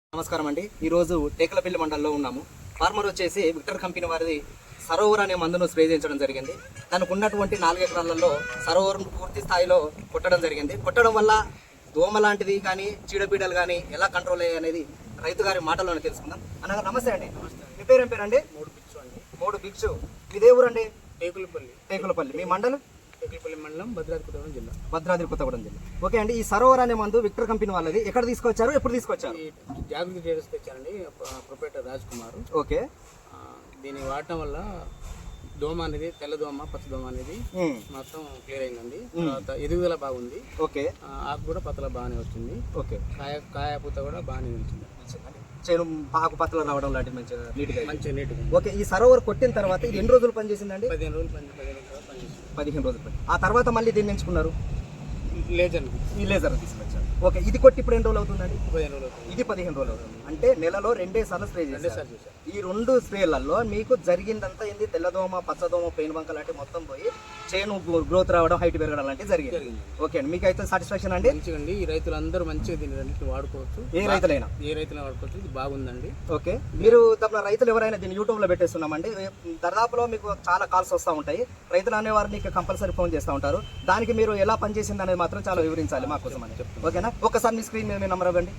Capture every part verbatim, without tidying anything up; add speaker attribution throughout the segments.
Speaker 1: నమస్కారం అండి. ఈరోజు టేకలపల్లి మండలంలో ఉన్నాము. ఫార్మర్ వచ్చేసి విక్టర్ కంపెనీ వారిది సరోవర్ అనే మందును స్ప్రే చేయించడం జరిగింది. దానికి ఉన్నటువంటి నాలుగు ఎకరాలలో సరోవర్ పూర్తి స్థాయిలో కొట్టడం జరిగింది. కొట్టడం వల్ల దోమ లాంటిది కానీ చీడపీడలు కానీ ఎలా కంట్రోల్ అయ్యాయి అనేది రైతు గారి మాటల్లోనే తెలుసుకుందాం. అన్నగారు నమస్తే అండి. మీ పేరు ఏం పేరండి?
Speaker 2: మూడు బిక్సు అండి.
Speaker 1: మూడు బిక్సు. ఇదే ఊరండి?
Speaker 2: టేకులపల్లి.
Speaker 1: టేకులపల్లి. మీ మండలం?
Speaker 2: టేకులపల్లి మండలం, భద్రాద్రి కొత్తగూడెం జిల్లా.
Speaker 1: భద్రాద్రి కొత్తగూడెం జిల్లా. ఓకే అండి. ఈ సరోవర్ అనే మందు విక్టర్ కంపెనీ వాళ్ళది ఎక్కడ తీసుకొచ్చారు, ఎప్పుడు తీసుకొచ్చారు?
Speaker 2: జాగృతి ట్రేడర్స్ తెచ్చారండి, ప్రొపరేటర్ రాజ్ కుమార్.
Speaker 1: ఓకే.
Speaker 2: దీన్ని వాడటం వల్ల దోమ అనేది, తెల్ల దోమ, పచ్చ దోమ అనేది మొత్తం క్లియర్ అయిందండి. తర్వాత ఎదుగుదల బాగుంది.
Speaker 1: ఓకే.
Speaker 2: ఆకు కూడా పతల బాగానే వచ్చింది.
Speaker 1: ఓకే.
Speaker 2: కాయ కాయ పూత కూడా బాగానే వచ్చింది.
Speaker 1: చేను ఆకు పతలు రావడం లాంటివి మంచిగా నీట్గా
Speaker 2: మంచిగా నీట్గా.
Speaker 1: ఓకే. ఈ సరోవర్ కొట్టిన తర్వాత ఇది ఎన్ని రోజులు పనిచేసిందండి?
Speaker 2: పదిహేను రోజులు పని పదిహేను రోజులు పనిచేసింది.
Speaker 1: పదిహేను రోజులు పని. ఆ తర్వాత మళ్ళీ దీన్ని ఎంచుకున్నారు?
Speaker 2: లేజర్
Speaker 1: ఈ లేజర్ తీసుకొచ్చారు. ఓకే. ఇది కొట్టి ఇప్పుడు ఎన్ని రోజులు అవుతుందండి?
Speaker 2: పదిహేను రోజులు అవుతుంది.
Speaker 1: ఇది పదిహేను రోజులు అవుతుంది. అంటే నెలలో రెండే సార్లు స్ప్రే చేశారు.
Speaker 2: చేశారు.
Speaker 1: ఈ రెండు స్ప్రేలలో మీకు జరిగిందంతా ఏంది? తెల్లదోమ, పచ్చదోమ, పెయిన్ బంక లాంటివి మొత్తం పోయి చేను గ్రోత్ రావడం, హైట్ పెరగడం లాంటివి జరిగింది. ఓకే అండి. మీకు అయితే సాటిస్ఫాక్షన్ అండి?
Speaker 2: మంచిగా. ఈ రైతులందరూ మంచిగా దీన్ని రెండింటిని వాడుకోవచ్చు.
Speaker 1: ఏ రైతులైనా
Speaker 2: ఏ రైతులైనా వాడుకోవచ్చు. ఇది బాగుందండి.
Speaker 1: ఓకే. మీరు తప్ప రైతులు ఎవరైనా దీన్ని యూట్యూబ్ లో పెట్టేస్తున్నామండి. దర్దాపులో మీకు చాలా కాల్స్ వస్తూ ఉంటాయి. రైతులు అనేవారు మీకు కంపల్సరీ ఫోన్ చేస్తూ ఉంటారు. దానికి మీరు ఎలా పనిచేసింది అనేది మాత్రం చాలా వివరించాలి మా కోసం అని. ఓకేనా? ఒకసారి మీ స్క్రీన్ మీద నంబర్ ఇవ్వండి.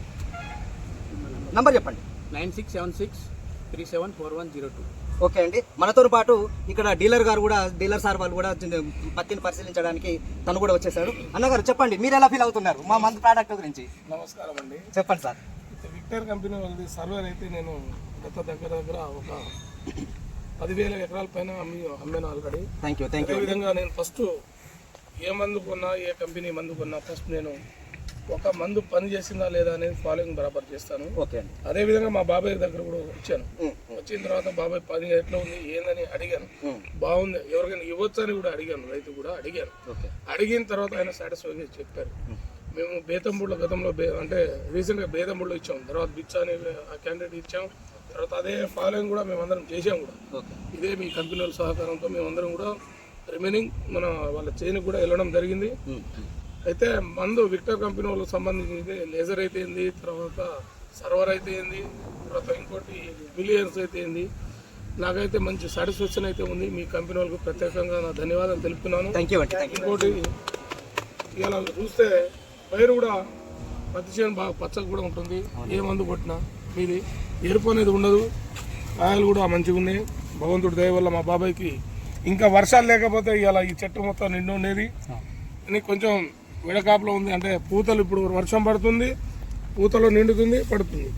Speaker 1: నంబర్ చెప్పండి.
Speaker 2: Nine six seven six three seven four one zero two.
Speaker 1: Okay అండి. మనతో పాటు ఇక్కడ డీలర్ గారు కూడా, డీలర్ సార్ వాళ్ళు కూడా పత్తిని పరిశీలించడానికి తను కూడా వచ్చేసాడు. అన్నగారు చెప్పండి, మీరు ఎలా ఫీల్ అవుతున్నారు మా మందు ప్రోడక్ట్ గురించి?
Speaker 3: నమస్కారం అండి.
Speaker 1: చెప్పండి సార్.
Speaker 3: విక్టర్ కంపెనీ వాళ్ళది సర్వర్ అయితే నేను గత దగ్గర దగ్గర ఒక పదివేల ఎకరాల పైన అమ్మి అమ్మాను already.
Speaker 1: Thank you thank you.
Speaker 3: అదేవిధంగా నేను ఫస్ట్ ఏ మందు కొన్నా, ఏ కంపెనీ మందు కొన్నా ఫస్ట్ నేను ఒక మందు పని చేసిందా లేదా అనేది ఫాలోయింగ్ బరాబర్ చేస్తాను.
Speaker 1: ఓకే అండి.
Speaker 3: అదేవిధంగా మా బాబాయ్ దగ్గర కూడా వచ్చాను. వచ్చిన తర్వాత బాబాయ్ పని ఎట్లా ఉంది ఏందని అడిగాను. బాగుంది, ఎవరికైనా ఇవ్వచ్చు అని కూడా అడిగాను, రైతు కూడా అడిగాను. అడిగిన తర్వాత ఆయన సాటిస్ఫైగా చెప్పారు. మేము బేతంబూడిలో గతంలో బే అంటే రీసెంట్గా బేతంబూడిలో ఇచ్చాం, తర్వాత బిచ్చ అని ఆ క్యాండిడేట్ ఇచ్చాం. తర్వాత అదే ఫాలోయింగ్ కూడా మేమందరం చేసాం కూడా. ఇదే మీ కంపెనీ వాళ్ళ సహకారంతో మేమందరం కూడా రిమైనింగ్ మన వాళ్ళ చేనికి కూడా వెళ్ళడం జరిగింది. అయితే మందు విక్టర్ కంపెనీ వాళ్ళకి సంబంధించి లేజర్ అయితే ఏంది, తర్వాత సర్వర్ అయితే ఏంది, తర్వాత ఇంకోటి మిలియన్స్ అయితే ఏంది, నాకైతే మంచి సాటిస్ఫాక్షన్ అయితే ఉంది. మీ కంపెనీ వాళ్ళకి ప్రత్యేకంగా నా ధన్యవాదాలు తెలుపుతున్నాను. ఇంకోటి ఇలా చూస్తే పైరు కూడా పత్తి చేను బాగా పచ్చగా కూడా ఉంటుంది. ఏ మందు కొట్టినా మీది ఎరుపు అనేది ఉండదు. కాయలు కూడా మంచిగా ఉన్నాయి. భగవంతుడి దయ వల్ల మా బాబాయ్కి ఇంకా వర్షాలు లేకపోతే ఇలా ఈ చెట్టు మొత్తం నిండు ఉండేది. కొంచెం విడకాపులో ఉంది, అంటే పూతలు ఇప్పుడు వర్షం పడుతుంది, పూతలో నిండుతుంది, పడుతుంది,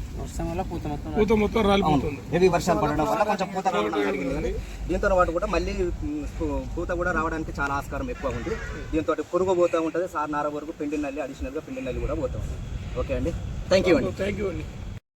Speaker 3: పూత మొత్తం రాలిపోతుంది.
Speaker 1: హెవీ వర్షాలు పడడం వల్ల కొంచెం పూత రావడం జరిగింది. దీంతో పాటు కూడా మళ్ళీ పూత కూడా రావడానికి చాలా ఆస్కారం ఎక్కువ ఉంది. దీంతో పురుగు పోతూ ఉంటుంది, సార్ నార వరకు పిండి నల్లి, అడిషనల్గా పిండి నల్లి కూడా పోతూ ఉంటుంది. ఓకే అండి. థ్యాంక్ యూ అండి.
Speaker 3: థ్యాంక్ యూ అండి.